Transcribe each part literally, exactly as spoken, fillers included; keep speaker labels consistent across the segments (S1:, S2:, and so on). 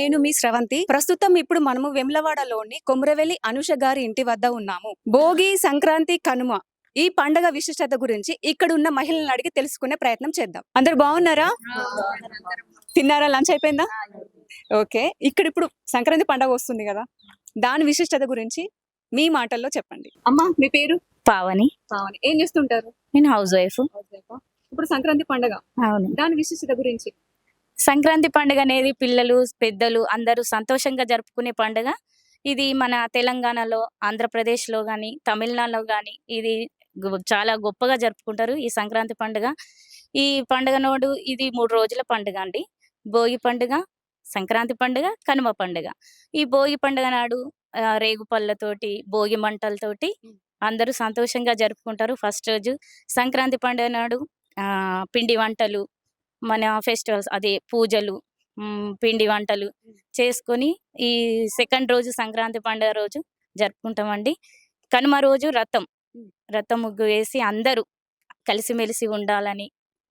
S1: నేను మీ స్రవంతి. ప్రస్తుతం ఇప్పుడు మనము వెమ్లవాడలోని కొమురవెల్లి అనుష గారి ఇంటి వద్ద ఉన్నాము. భోగి, సంక్రాంతి, కనుమ ఈ పండగ విశిష్టత గురించి ఇక్కడ ఉన్న మహిళలను అడిగి తెలుసుకునే ప్రయత్నం చేద్దాం. అందరు బాగున్నారా? తిన్నారా? లంచ్ అయిపోయిందా? ఓకే. ఇక్కడ ఇప్పుడు సంక్రాంతి పండగ వస్తుంది కదా, దాని విశిష్టత గురించి మీ మాటల్లో చెప్పండి. అమ్మా, మీ పేరు?
S2: పావని.
S1: పావని. ఏం చేస్తుంటారు?
S2: నేను హౌస్ వైఫ్.
S1: ఇప్పుడు సంక్రాంతి పండగ,
S2: అవును.
S1: దాని విశిష్టత గురించి.
S2: సంక్రాంతి పండుగ అనేది పిల్లలు, పెద్దలు అందరూ సంతోషంగా జరుపుకునే పండుగ. ఇది మన తెలంగాణలో, ఆంధ్రప్రదేశ్లో కానీ, తమిళనాడులో కానీ ఇది గు- చాలా గొప్పగా జరుపుకుంటారు ఈ సంక్రాంతి పండుగ. ఈ పండుగ నోడు ఇది మూడు రోజుల పండుగ అండి. భోగి పండుగ, సంక్రాంతి పండుగ, కనుమ పండుగ. ఈ భోగి పండుగ నాడు ఆ, రేగు పళ్ళతోటి, భోగి మంటలతోటి అందరూ సంతోషంగా జరుపుకుంటారు ఫస్ట్ రోజు. సంక్రాంతి పండుగ నాడు ఆ, పిండి వంటలు, మన ఫెస్టివల్స్ అదే పూజలు, మ్, పిండి వంటలు చేసుకొని ఈ సెకండ్ రోజు సంక్రాంతి పండుగ రోజు జరుపుకుంటామండి. కనుమ రోజు రథం రథం ముగ్గు వేసి అందరూ కలిసిమెలిసి ఉండాలని,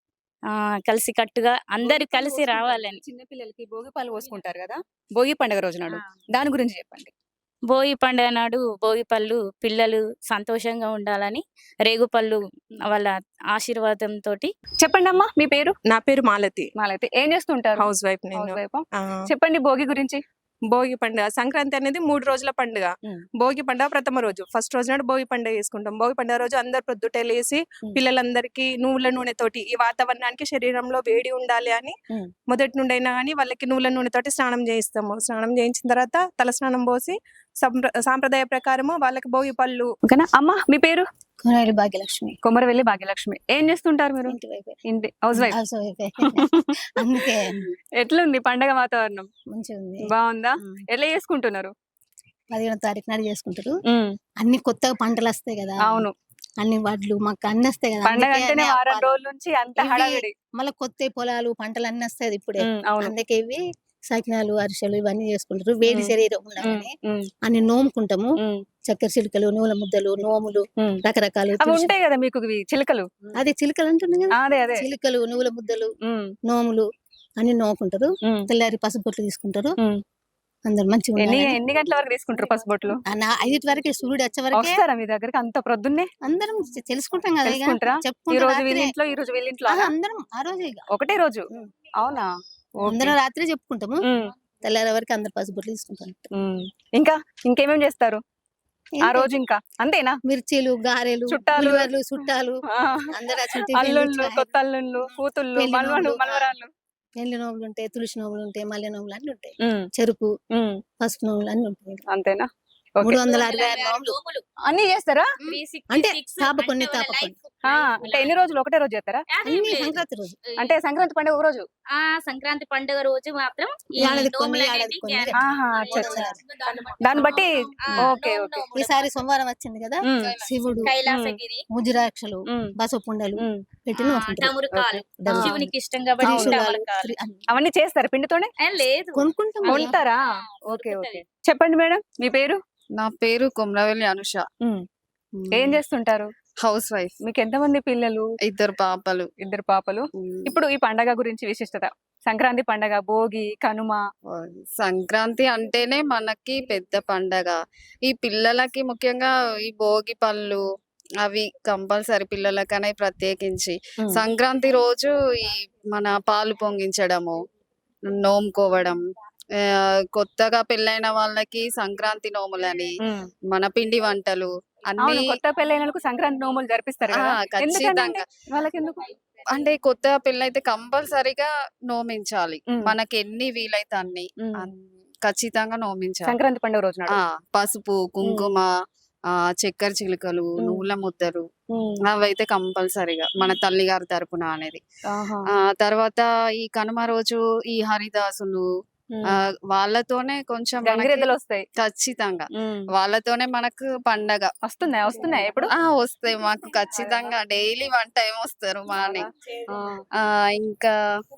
S2: ఆ కలిసి కట్టుగా అందరు
S1: భోగి పళ్ళు
S2: కలిసి
S1: పోసుకుంటారు
S2: రావాలని.
S1: కదా, చిన్న పిల్లలకి భోగి పాలు పోసుకుంటారు కదా, భోగి పండుగ రోజు నాడు దాని గురించి చెప్పండి.
S2: భోగి పండుగ నాడు భోగి పళ్ళు పిల్లలు సంతోషంగా ఉండాలని రేగు పళ్ళు వాళ్ళ ఆశీర్వాదంతో.
S1: చెప్పండి అమ్మా, మీ పేరు?
S3: నా పేరు మాలతి.
S1: మాలైతే ఏం చేస్తుంటారు?
S3: హౌస్ వైఫ్ నేను.
S1: హౌస్ వైఫా?
S3: ఆ,
S1: చెప్పండి భోగి గురించి.
S3: భోగి పండుగ సంక్రాంతి అనేది మూడు రోజుల పండుగ.
S1: మ్.
S3: భోగి పండుగ ప్రథమ రోజు, ఫస్ట్ రోజు నాడు భోగి పండుగ చేసుకుంటాం. భోగి పండుగ రోజు అందరు ప్రొద్దుటే లేసి
S1: మ్.
S3: పిల్లలందరికీ నువ్వుల నూనెతోటి ఈ వాతావరణానికి శరీరంలో వేడి ఉండాలి అని
S1: మ్.
S3: మొదటి నుండి అయినా కానీ వాళ్ళకి నువ్వుల నూనెతోటి స్నానం చేయిస్తాము. స్నానం చేయించిన తర్వాత తల స్నానం పోసి సంప్ర సాంప్రదాయ ప్రకారము వాళ్ళకి భోగి పళ్ళు.
S1: ఓకేనా అమ్మా, మీ పేరు?
S4: కొనవెల్లి భాగ్యలక్ష్మి.
S1: కొమరవెల్లి భాగ్యలక్ష్మి. ఏం చేస్తుంటారు మీరు?
S4: ఇంటి వైపే.
S1: ఇంటి హౌస్ వైఫ్.
S4: హౌస్ వైఫే. అందుకే
S1: ఎట్లుంది పండగ వాతావరణం?
S4: మంచిగా ఉంది.
S1: బాగుందా?
S4: ఉమ్.
S1: ఎట్లా చేసుకుంటున్నారు?
S4: పదిహేనో తారీఖు నాడు చేసుకుంటారు. అన్ని కొత్తగా పంటలు వస్తాయి కదా,
S1: అవును,
S4: అన్ని వడ్లు మాకు అన్ని వస్తాయి కదా.
S1: పండగ
S4: అందుకే
S1: అంటేనే
S4: అన్ని
S1: వారం
S4: అప్పాలు.
S1: రోజుల నుంచి అంత
S4: ఇవి
S1: హడావిడి.
S4: మళ్ళీ కొత్త పొలాలు పంటలు అన్ని వస్తాయి ఇప్పుడే.
S1: ఉమ్, అవును.
S4: అందుకే ఇవి సకినాలు, అరిసెలు ఇవన్నీ చేసుకుంటారు. వేడి
S1: ఉమ్.
S4: శరీరం
S1: ఉమ్,
S4: ఉండాలని
S1: ఉమ్,
S4: అన్ని నోముకుంటాము.
S1: ఉమ్,
S4: చక్కెర చిలుకలు, నువ్వుల ముద్దలు, నోములు,
S1: ఉమ్.
S4: రకరకాలు.
S1: అవి
S4: తులసి-
S1: ఉంటాయి కదా మీకు ఇవి చిలుకలు.
S4: అదే చిలుకలు అంటుంది కదా,
S1: అదే అదే.
S4: చిలుకలు, నువ్వుల ముద్దలు,
S1: ఉమ్,
S4: నోములు అన్ని నోముకుంటారు.
S1: ఉమ్,
S4: తెల్లారి పసుపు బొట్లు తీసుకుంటారు.
S1: ఉమ్.
S4: అందరు మంచిగా
S1: ఎన్ని
S4: ఉండాలని.
S1: ఎన్ని గంటల వరకు తీసుకుంటారు పసుబొట్లు?
S4: ఆ నా ఐదింటి వరకే సూర్యుడు వచ్చే వరకే
S1: వస్తారా మీ దగ్గరికి అంత ప్రొద్దున్నే?
S4: అందరం చె- తెలుసుకుంటాం కదా, ఇక
S1: తెలుసుకుంటారా? ఈ
S4: చెప్పుకుంటాం
S1: రోజు
S4: రాత్రే.
S1: వీళ్ళింట్లో, ఈ రోజు వీళ్ళింట్లో
S4: ఆహా, అందరం ఆ రోజు ఇక
S1: ఒకటే రోజు.
S4: ఉమ్.
S1: అవునా? ఓకే.
S4: అందరం రాత్రి చెప్పుకుంటాము.
S1: ఉమ్,
S4: తెల్లారి వరకు అందరు పసుపుట్లు తీసుకుంటాం.
S1: ఉమ్. ఇంకా ఇంకేమేం చేస్తారు ఆ
S4: ఏంటి?
S1: రోజు? ఇంకా అంతేనా?
S4: మిర్చీలు, గారెలు,
S1: చుట్టాలు.
S4: ఉల్లిగడ్డలు, చుట్టాలు
S1: ఆ,
S4: అందరు వచ్చి టిఫిన్లు,
S1: అల్లుళ్ళు,
S4: చాయ్,
S1: కొత్త అల్లుళ్ళు, కూతుళ్ళు,
S4: పెళ్లి
S1: మల్వలు,
S4: నోములు,
S1: మల్వరాళ్ళు.
S4: పెళ్లి నోములు ఉంటాయి, తులసి నోములు ఉంటాయి, మల్లె నోములు అన్ని ఉంటాయి,
S1: ఉమ్,
S4: చెరుకు,
S1: ఉమ్.
S4: పసుపు నోములు అన్ని ఉంటాయి.
S1: అంతేనా? ఓకే.
S4: మూడు వందల అరవై ఆరు నోములు.
S1: అన్ని చేస్తారా?
S4: అంటే తాప కొన్ని తాప కొన్ని.
S1: ఆ, అంటే ఎన్ని రోజులు? ఒకటే రోజు చేస్తారా?
S4: అన్ని సంక్రాంతి రోజు.
S1: అంటే సంక్రాంతి పండుగ ఒక రోజు.
S2: ఆ సంక్రాంతి పండుగ రోజు మాత్రం ఈ
S4: ఏడాది కొన్ని,
S2: నోములు
S4: ఏడాది
S2: అనేది
S4: కొన్ని.
S2: గ్యారెంటీ.
S1: ఆహా, అచ్చా, అచ్చా. దాన్ని బట్టి.
S2: ఆ,
S1: ఓకే,
S2: నోము,
S1: ఓకే.
S2: నోములు.
S4: ఈసారి సోమవారం వచ్చింది కదా,
S1: ఉమ్,
S4: శివుడు,
S2: కైలాసగిరి,
S4: ముజిరాక్షలు,
S1: ఉమ్,
S4: బసపుండలు
S1: ఉమ్.
S4: పెట్టి
S2: ఆ,
S4: నోముకుంటారు.
S2: డమరుకాలు
S4: డమరుకాలు.
S2: శివునికి ఇష్టం కాబట్టి
S4: త్రిశూలాలు,
S2: డమరుకాలు.
S4: త్రి- అన్ని
S1: అవన్నీ చేస్తారా పిండితోనే?
S2: ఏ, లేదు
S4: కొనుక్కుంటాం కదా.
S1: కొంటారా? Okay, okay. చెప్పండి మేడం, మీ పేరు?
S5: నా పేరు కొమరవెల్లి అనుష.
S1: ఉమ్. ఏం చేస్తుంటారు?
S5: Housewife.
S1: మీకు ఎంతమంది పిల్లలు?
S5: ఇద్దరు పాపలు.
S1: ఇద్దరు పాపలు. ఇప్పుడు ఈ పండగ గురించి విశిష్టత. సంక్రాంతి పండగ, భోగి, కనుమ.
S5: సంక్రాంతి అంటేనే మనకి పెద్ద పండగ. ఈ పిల్లలకి ముఖ్యంగా ఈ భోగి పళ్ళు అవి కంపల్సరీ పిల్లలకనే ప్రత్యేకించి.
S1: ఉమ్,
S5: సంక్రాంతి రోజు ఈ మన పాలు పొంగించడము, నోముకోవడం, ఆ, కొత్తగా పెళ్ళైన వాళ్ళకి సంక్రాంతి నోములని,
S1: ఉమ్.
S5: మన పిండి వంటలు అన్ని.
S1: అవును, కొత్త పెళ్ళైనలకు సంక్రాంతి నోములు జరిపిస్తారు
S5: ఆ,
S1: కదా. ఎందుకని
S5: ఖచ్చితంగా.
S1: వాళ్ళకి ఎందుకు?
S5: అంటే కొత్త పెళ్ళైతే కంపల్సరీగా నోమించాలి.
S1: ఉమ్,
S5: మనకి ఎన్ని వీలైతే అన్ని
S1: ఉమ్.
S5: అన్- ఖచ్చితంగా నోమించాలి.
S1: సంక్రాంతి పండుగ రోజు నాడు.
S5: ఆ పసుపు, కుంకుమ, ఆ చక్కెర చిలుకలు,
S1: ఉమ్.
S5: నువ్వుల ముద్దలు
S1: ఉమ్.
S5: అవైతే కంపల్సరీగా మన తల్లిగారి తరపున అనేది.
S1: ఆహా.
S5: ఆ తర్వాత ఈ కనుమ రోజు ఈ హరిదాసులు,
S1: ఉమ్.
S5: ఆ వాళ్ళతోనే కొంచెం మనకి
S1: గంగిరెద్దులు వస్తాయి.
S5: ఖచ్చితంగా
S1: ఉమ్.
S5: వాళ్ళతోనే మనకు పండగ.
S1: వస్తున్నాయి వస్తున్నాయి ఎప్పుడు?
S5: ఆ వస్తాయి మాకు ఖచ్చితంగా డైలీ వన్ టైం వస్తారు మార్నింగ్.
S1: ఆ.
S5: ఆ ఇంకా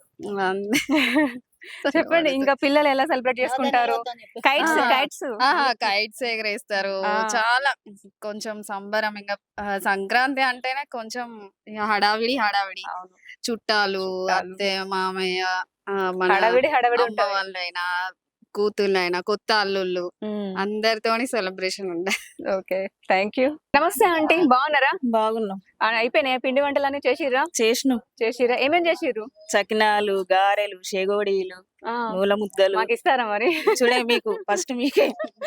S5: అంతే.
S1: చెప్పండి, ఇంకా పిల్లలు ఎలా సెలబ్రేట్ చేసుకుంటారు? కైట్స్
S5: ఆ.
S1: కైట్స్
S5: కైట్స్ ఎగరేస్తారు.
S1: ఆ.
S5: చాలా కొంచెం సంబరం. ఇంకా ఆ, సంక్రాంతి అంటేనే కొంచెం ఇక హడావిడి హడావిడి.
S1: అవును.
S5: చుట్టాలు,
S1: చుట్టాలు.
S5: అత్తయ్య, మామయ్య, ఆ, మన
S1: హడావిడి హడావిడి
S5: అమ్మ
S1: ఉంటది.
S5: వాళ్ళైనా కూతుళ్ళైనా కొత్త అల్లుళ్ళు
S1: ఉమ్,
S5: అందరితోని సెలబ్రేషన్ ఉండే.
S1: Okay thank you. నమస్తే ఆంటీ, బాగున్నారా?
S6: బాగున్నాం.
S1: ఆ, అయిపోయినాయా పిండి వంటలన్నీ చేసిర్రా?
S6: చేసినాం.
S1: చేసిర్రా? ఏమేం చేసిర్రు?
S6: చకినాలు, గారెలు, చెగోడీలు,
S1: ఆ,
S6: నూల ముద్దలు.
S1: మాకు ఇస్తారా మరి?
S6: చూడే మీకు ఫస్ట్ మీకే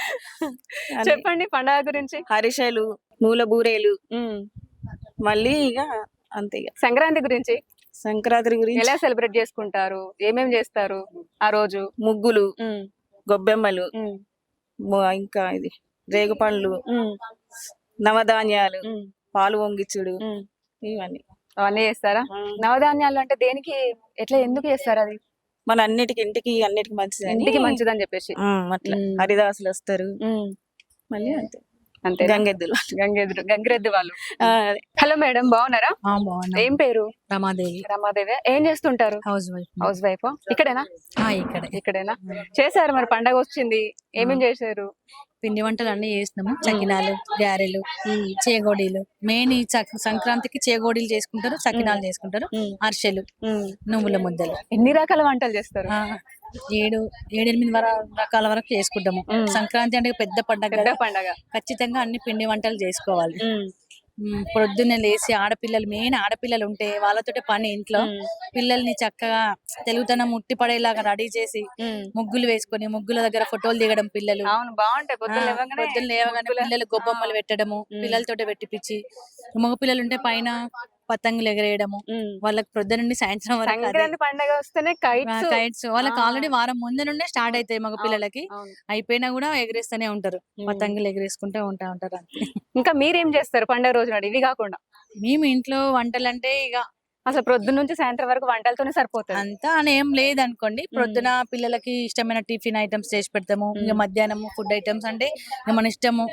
S6: అన్ని.
S1: చెప్పండి పండగ గురించి.
S6: హరిసెలు, నూల బూరేలు,
S1: ఉమ్,
S6: మళ్ళీ ఇక అంతే. ఇక
S1: సంక్రాంతి గురించి
S6: సంక్రాంతి గురించి
S1: ఎలా సెలబ్రేట్ చేసుకుంటారు? ఏమేం చేస్తారు ఆ రోజు?
S6: ముగ్గులు,
S1: ఉమ్,
S6: గొబ్బెమ్మలు,
S1: ఉమ్,
S6: ము- ఇంకా ఇది రేగు పండ్లు,
S1: ఉమ్,
S6: నవధాన్యాలు,
S1: ఉమ్,
S6: పాలు వంగిచ్చుడు,
S1: ఉమ్.
S6: ఇవన్నీ.
S1: అవన్నీ చేస్తారా?
S6: ఆ,
S1: నవధాన్యాలు అంటే దేనికి, ఎట్లా, ఎందుకు చేస్తారు అది?
S6: మన అన్నిటికి ఇంటికి అన్నిటికి మంచిది
S1: ఇంటికి మంచిదని చెప్పేసి.
S6: అట్లా
S1: ఉమ్.
S6: హరిదాసులు వస్తారు.
S1: ఉమ్,
S6: మళ్ళీ అంతే
S1: అంతే.
S6: గంగెద్దులు.
S1: గంగెద్దు గంగిరెద్దు వాళ్ళు.
S6: ఆ, అదే.
S1: హలో మేడం, బాగున్నారా?
S7: బాగున్నా.
S1: ఏం పేరు?
S7: రమాదేవి,
S1: రమాదేవి. ఏం చేస్తుంటారు?
S7: Housewife.
S1: Housewife. ఇక్కడేనా?
S7: ఆ, ఇక్కడే
S1: ఇక్కడేనా? చేశారు మరి, పండగ వచ్చింది, ఏమేం చేశారు?
S7: పిండి వంటలు అన్ని చేసినాము. చకినాలు, గారెలు, చేగోడీలు. మెయిన్ ఈ చక్- సంక్రాంతికి చేగోడీలు చేసుకుంటారు, చకినాలు చేసుకుంటారు,
S1: ఉమ్,
S7: అరిసెలు,
S1: ఉమ్.
S7: నువ్వుల ముద్దలు.
S1: ఎన్ని రకాల వంటలు చేస్తారు?
S7: ఆ, ఏడు ఏడెనిమిది వర రకాల వరకు చేసుకుంటాము.
S1: ఉమ్.
S7: సంక్రాంతి అంటే పెద్ద పండగ
S1: పెద్ద
S7: కదా,
S1: పండగ.
S7: ఖచ్చితంగా అన్ని పిండి వంటలు చేసుకోవాలి.
S1: ఉమ్,
S7: ఉమ్, పొద్దున్నే లేచి ఆడపిల్లలు, మెయిన్ ఆడపిల్లలు ఉంటే వాళ్ళతోటే పని ఇంట్లో.
S1: ఉమ్,
S7: పిల్లల్ని చక్కగా తెలుగుతనం ముట్టి పడేలాగా రెడీ చేసి
S1: ఉమ్.
S7: ముగ్గులు వేసుకొని ముగ్గుల దగ్గర ఫోటోలు దిగడం పిల్లలు.
S1: అవును, బాగుంటాయి.
S7: ఆ,
S1: పొద్దున్న లేవగానే
S7: పొద్దున్న లేవగానే
S1: ముగ్గుల-
S7: పిల్లలు గొబ్బమ్మలు పెట్టడము,
S1: ఉమ్.
S7: పిల్లలతోటి పెట్టిపిచ్చి, మగ పిల్లలు ఉంటే పైన పతంగులు ఎగరేయడము.
S1: ఉమ్.
S7: వాళ్ళకి పొద్దు నుండి సాయంత్రం వరకు అదే
S1: సంక్రాంతి పండగ వస్తేనే కైట్స్.
S7: కైట్స్. వాళ్ళకి
S1: ఆ.
S7: ఆల్రెడీ వారం ముందు నుండే స్టార్ట్ అవుతాయి మగ పిల్లలకి.
S1: అవును.
S7: అయిపోయినా కూడా ఎగరేస్తూనే ఉంటారు,
S1: ఉమ్.
S7: పతంగులు ఎగరేసుకుంటూ ఉంటా ఉంటారు అంతే.
S1: ఇంకా మీరేం చేస్తారు పండగ రోజు నాడు, ఇవి కాకుండా?
S7: మేము ఇంట్లో వంటలంటే ఇక
S1: అసలు ప్రొద్దున నుంచి సాయంత్రం వరకు వంటలతోనే సరిపోతుంది.
S7: అంతా అని ఏం లేదనుకోండి. ప్రొద్దున పిల్లలకి ఇష్టమైన టిఫిన్ ఐటమ్స్ చేసి పెడతాము. ఇంకా
S1: మ్మ్.
S7: మధ్యాహ్నం ఫుడ్ ఐటమ్స్ అంటే ఇక మన ఇష్టము.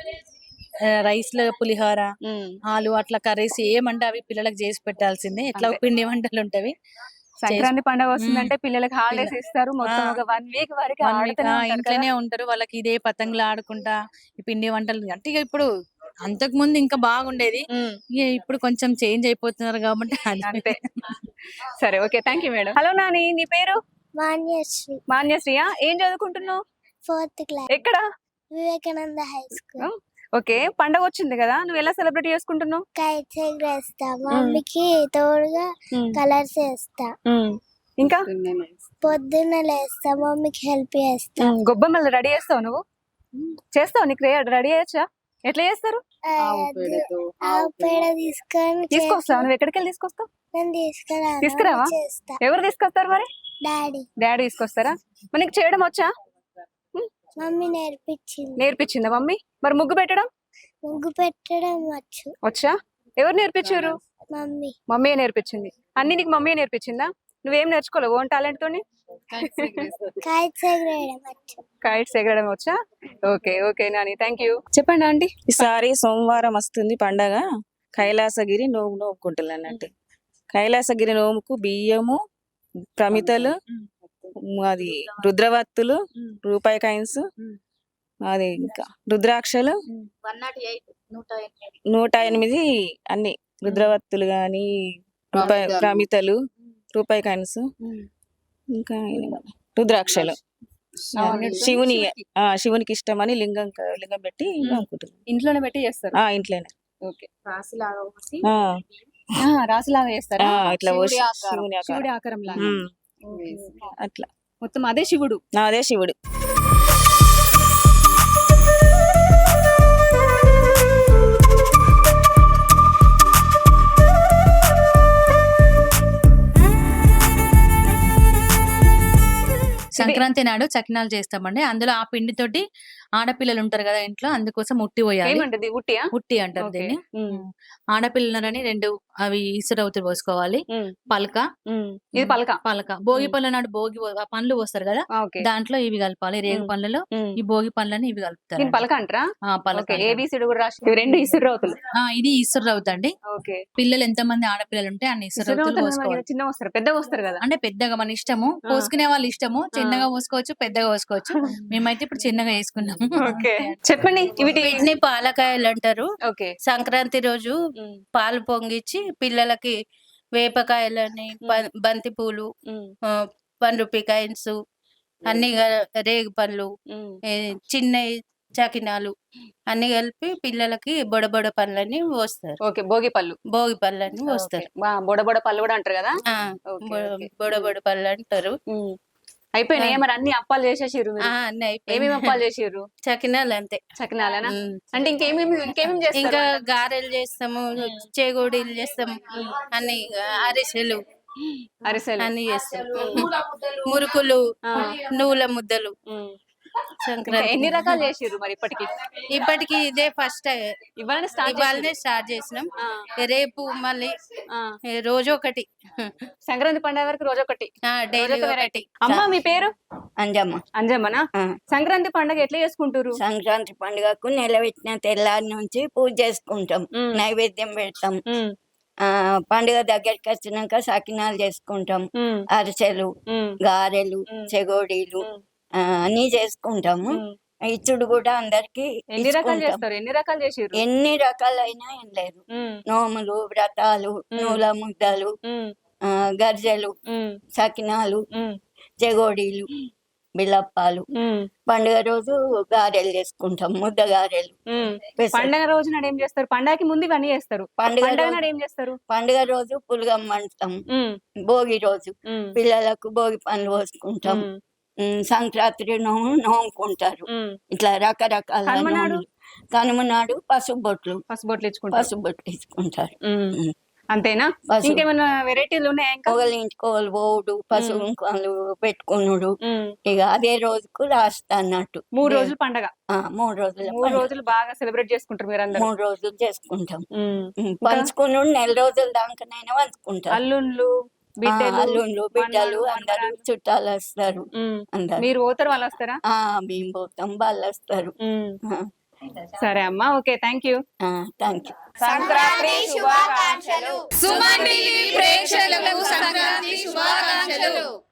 S7: రైస్ లో పులిహోర,
S1: ఉమ్.
S7: ఆలు, అట్లా కర్రీస్ ఏమంటే అవి పిల్లలకు చేసి పెట్టాల్సిందే. ఎట్లా
S1: అంతే.
S7: పిండి వంటలు ఉంటవి.
S1: సంక్రాంతి పండగ వస్తుందంటే పిల్లలకి హాలిడేస్
S7: పిల్ల-
S1: ఇస్తారు. మొత్తం
S7: ఆ.
S1: ఒక వన్ వీక్ వరకు
S7: One week,
S1: ఆడుతూనే
S7: ఆ,
S1: ఉంటారు కదా.
S7: ఇంట్లోనే ఉంటారు. వాళ్ళకి ఇదే పతంగులు ఆడుకుంటా ఈ పిండి వంటలు అంటే ఇక ఇప్పుడు అంతకు ముందు ఇంకా బాగుండేది.
S1: ఉమ్.
S7: ఇక ఇప్పుడు కొంచెం చేంజ్ అయిపోతున్నారు కాబట్టి అది.
S1: అంతే. సరే, okay, thank you madam. Hello Nani, నీ పేరు?
S8: మాన్యశ్రీ,
S1: మాన్యశ్రీయా? ఏం చదువుకుంటున్నావు?
S8: ఫోర్త్ క్లాస్,
S1: ఎక్కడ?
S8: Vivekananda high school.
S1: ఓకే, పండగ వచ్చింది కదా, నువ్వు ఎలా సెలబ్రేట్ చేసుకుంటున్నావు?
S8: కైట్స్ ఎగరేస్తా, మమ్మీకి తోడుగా కలర్స్ వేస్తా,
S1: ఇంకా
S8: పొద్దున్న లేస్తా, మమ్మీకి హెల్ప్ చేస్తా.
S1: ఉమ్, గొబ్బెమ్మలు రెడీ చేస్తావు నువ్వు? చేస్తావు? నీకు రెడీ చేయొచ్చా? ఎట్లా చేస్తారు?
S8: ఆ, ఆవు పేడ తీసుకొని
S1: తీసుకొస్తావు?
S8: చేతిలో-
S1: నువ్వు ఎక్కడికి వెళ్ళి తీసుకొస్తావు?
S8: నేను తీసుకురా,
S1: తీసుకురావా?
S8: చేస్తా.
S1: ఎవరు తీసుకొస్తారు మరి?
S8: డాడీ,
S1: డాడీ తీసుకొస్తారా? మరి నీకు చేయడం వచ్చా?
S8: మమ్మీ నేర్పించింది.
S1: నేర్పించిందా మమ్మీ? మరి ముగ్గు పెట్టడం
S8: ముగ్గు పెట్టడం వచ్చు,
S1: వచ్చా? ఎవరు నేర్పించారు?
S8: మమ్మీ.
S1: మమ్మీ నేర్పించింది. అన్ని నీకు మమ్మీ నేర్పించిందా? నువ్వేం నేర్చుకోలేవు ఓన్ టాలెంట్ తోని?
S8: కైట్స్ ఎగరేయడం వచ్చు.
S1: కైట్స్ ఎగరడం వచ్చా? Okay, okay Nani, thank you. చెప్పండి ఆంటీ.
S6: ఈసారి సోమవారం వస్తుంది పండగ. కైలాసగిరి నోము నోముకుంటున్నాను అన్నట్టు. కైలాసగిరి నోముకు బియ్యము, ప్రమితలు, అది రుద్రవత్తులు, రూపాయి కాయిన్స్, అది ఇంకా రుద్రాక్షలు, నూట ఎనిమిది అన్ని రుద్రవత్తులు గాని, రూపాయి
S5: ప్రమితలు.
S6: ప్రమితలు, రూపాయి కాయిన్స్, ఇంకా రుద్రాక్షలు. శివుని ఆ శివునికి ఇష్టమని లింగం క- లింగం పెట్టి నోముకుంటున్నాను.
S1: ఇంట్లోనే పెట్టి చేస్తారు?
S6: ఆ ఇంట్లోనే.
S1: ఓకే.
S6: ఆ,
S1: రాసులాగా చేస్తారా?
S6: ఆ, ఇట్లా
S5: శివుడి
S6: పోసి
S5: ఆకారం.
S6: శివుని ఆకారం.
S1: శివుడి ఆకారం లాగా.
S6: Um,
S1: okay.
S6: అట్లా
S1: మొత్తం అదే శివుడు.
S6: నా అదే శివుడు.
S7: సంక్రాంతి నాడు చకినాలు చేస్తామండి. అందులో ఆ పిండితోటి ఆడపిల్లలు ఉంటారు కదా ఇంట్లో, అందుకోసం ఉట్టి పోయాలి.
S1: ఏమంటది? ఉట్టియా?
S7: ఉట్టి అంటారు
S1: ఓకే.
S7: దీన్ని.
S1: ఉమ్,
S7: ఆడపిల్లలని రెండు అవి ఇసురవుతులు పోసుకోవాలి.
S1: ఉమ్,
S7: పలక,
S1: ఉమ్. ఇది పలక.
S7: పలక భోగి
S1: ఉమ్.
S7: పళ్ళ నాడు భోగి పో- ఆ పండ్లు పోస్తారు కదా,
S1: ఆ, ఓకే.
S7: దాంట్లో ఇవి కలపాలి. రేగు
S1: ఉమ్.
S7: పండ్లలో
S1: ఉమ్.
S7: ఈ భోగి పండ్లని ఇవి కలుపుతారు.
S1: దీని పలక అంటారా?
S7: ఆ, పలక
S1: ఓకే.
S7: అంటారు.
S1: ఏబిసిడి కూడా రాసి, ఇవి రెండు ఇసురు అవుతుంది.
S7: ఆ, ఇది ఇసురు అవుతండి.
S1: ఓకే.
S7: పిల్లలు ఎంత మంది ఆడపిల్లలు ఉంటే అన్ని ఇసురు
S1: ఇసురు
S7: అవుతులు
S1: అవుతుంది.
S7: పోసుకోవాలి.
S1: చిన్న వస్తారు, పెద్దగా వస్తారు కదా.
S7: అంటే పెద్దగా మన ఇష్టము,
S1: ఆ.
S7: పోసుకునే వాళ్ళు ఇష్టము. చిన్నగా పోసుకోవచ్చు, పెద్దగా పోసుకోవచ్చు. మేమైతే ఇప్పుడు చిన్నగా వేసుకున్నాము.
S1: ఓకే, చెప్పండి. వీటి
S9: వీటిని పాలకాయలు అంటారు.
S1: ఓకే.
S9: సంక్రాంతి రోజు
S1: ఉమ్,
S9: పాలు పొంగిచ్చి పిల్లలకి వేపకాయలని, బ- బంతి పూలు,
S1: ఉమ్,
S9: ఆ, వన్ రూపీ కాయిన్స్, అన్ని క- రేగు పళ్ళు ఏ, చిన్న చకినాలు అన్ని కలిపి పిల్లలకి బొడబొడ పళ్ళని పోస్తారు.
S1: ఓకే, భోగి పళ్ళు.
S9: భోగి పళ్ళని పోస్తారు.
S1: ఓకే. వా, బొడబొడ పళ్ళు కూడా అంటారు కదా.
S9: ఆ,
S1: ఓకే,
S9: బొ-
S1: ఓకే.
S9: బొడబొడ పళ్ళు అంటారు.
S1: ఉమ్. అయిపోయినాయి మరి అన్ని అప్పాలు చేసేసిర్రు మీరు?
S9: ఆ, అన్ని అయిపోయినాయి.
S1: ఏమేమి అప్పాలు చేసిర్రు?
S9: చకినాలు అంతే.
S1: చకినాలేనా?
S9: ఉమ్.
S1: అంటే ఇంకేమేమి ఇంకేమేమి చేస్తారు?
S9: ఇంకా గారెలు చేస్తాము, చేగోడీలు చేస్తాము, అన్ని అరిసెలు
S1: అరిసెలు.
S9: అన్ని చేస్తాం. మురుకులు,
S1: ఆ.
S9: నువ్వుల ముద్దలు.
S1: ఉమ్. ఇంకా
S9: సంక్రాంతి
S1: ఎన్ని రకాలు చేసిర్రు మరి ఇప్పటికి?
S9: ఇప్పటికి ఇదే ఫస్ట్
S1: ఇవాళ స్టార్ట్
S9: ఇవాళనే స్టార్ట్ చేసినాం.
S1: ఆ.
S9: రేపు మళ్ళీ
S1: ఆ.
S9: ఏ, రోజు ఒకటి.
S1: సంక్రాంతి పండుగ వరకు రోజు ఒకటి.
S9: ఆ, డైలీ
S1: రోజొక
S9: ఒకటి.
S1: వెరైటీ. అమ్మ మీ పేరు?
S10: అంజమ్మ.
S1: అంజమ్మనా?
S10: ఆ.
S1: సంక్రాంతి పండుగ ఎట్లా చేసుకుంటారు?
S10: సంక్రాంతి పండుగకు నిలబెట్టిన తెల్లారి నుంచి పూజ చేసుకుంటాం,
S1: ఉమ్.
S10: నైవేద్యం పెడతాం.
S1: ఉమ్.
S10: ఆ పండుగ దగ్గరికి వచ్చినాక సకినాలు చేసుకుంటాం,
S1: ఉమ్.
S10: అరిసెలు,
S1: ఉమ్.
S10: గారెలు,
S1: ఉమ్.
S10: చెగోడీలు
S1: ఉమ్.
S10: ఆ, అన్ని చేసుకుంటాము.
S1: ఉమ్.
S10: ఇచ్చుడు కూడా అందరికి
S1: ఎన్ని రకాలు
S10: ఇచ్చుకుంటాం.
S1: చేస్తారు? ఎన్ని రకాలు చేసిర్రు?
S10: ఎన్ని రకాలైనా ఏం లేదు.
S1: ఉమ్.
S10: నోములు, వ్రతాలు, నూల ముద్దలు,
S1: ఉమ్.
S10: ఆ, గర్జెలు,
S1: ఉమ్.
S10: సకినాలు,
S1: ఉమ్.
S10: చెగోడీలు, బిల్లప్పాలు.
S1: ఉమ్.
S10: పండుగ రోజు గారెలు చేసుకుంటాం, ముద్ద గారెలు.
S1: ఉమ్.
S10: పెసర-
S1: పండగ రోజు నాడు ఏం చేస్తారు? పండగకి ముందు ఇవన్నీ చేస్తారు.
S10: పండుగ
S1: పండగ
S10: రోజు
S1: నాడు ఏం చేస్తారు?
S10: పండుగ రోజు పులగం వండుతాం.
S1: ఉమ్.
S10: భోగి రోజు
S1: ఉమ్.
S10: పిల్లలకు భోగి పండ్లు పోసుకుంటాం.
S1: ఉమ్.
S10: ఉమ్, సంక్రాంతి నోము నోముకుంటారు.
S1: ఉమ్.
S10: ఇట్లా రకరకాల
S1: కనుమ నాడు?
S10: నోములు. కనుమ నాడు పసుపు బొట్లు
S1: పసుబొట్లు ఇచ్చుకుంటారు.
S10: పసుపు బొట్లు ఇచ్చుకుంటారు.
S1: ఉమ్.
S10: ఉమ్.
S1: అంతేనా?
S10: పసుపు
S1: ఇంకేమైనా వెరైటీలు ఉన్నాయా ఇంకా?
S10: ఒకళ్ళ ఇంటికి ఒకళ్ళు పోవుడు, పసుపు కుంకాలు పెట్టుకునుడు.
S1: ఉమ్.
S10: ఇక అదే రోజుకు లాస్ట్ అన్నట్టు.
S1: మూడు రోజులు పండగ.
S10: ఆ, మూడు రోజుల
S1: మూడు
S10: పండుగ.
S1: రోజులు బాగా సెలబ్రేట్ చేసుకుంటారు మీరు అందరూ.
S10: మూడు రోజులు చేసుకుంటాం.
S1: ఉమ్.
S10: ఉమ్, పంచుకునుడు నెల రోజుల దాకానైనా పంచుకుంటారు.
S1: అల్లుళ్ళు,
S10: ఆ,
S1: బిడ్డలు,
S10: అల్లుళ్ళు, బిడ్డలు
S1: మనవళ్ళు,
S10: అందరూ
S1: మనవరాళ్ళు.
S10: చుట్టాలు వస్తారు.
S1: ఉమ్.
S10: అందరు
S1: మీరు పోతారు, వాళ్ళు వస్తారా?
S10: ఆ మేము పోతాం, వాళ్ళు వస్తారు.
S1: ఉమ్. సరే అమ్మా, okay, thank you.
S10: Thank you.
S1: Sankranti శుభాకాంక్షలు.
S5: సుమన్ టీవీ ప్రేక్షకులకు సంక్రాంతి శుభాకాంక్షలు.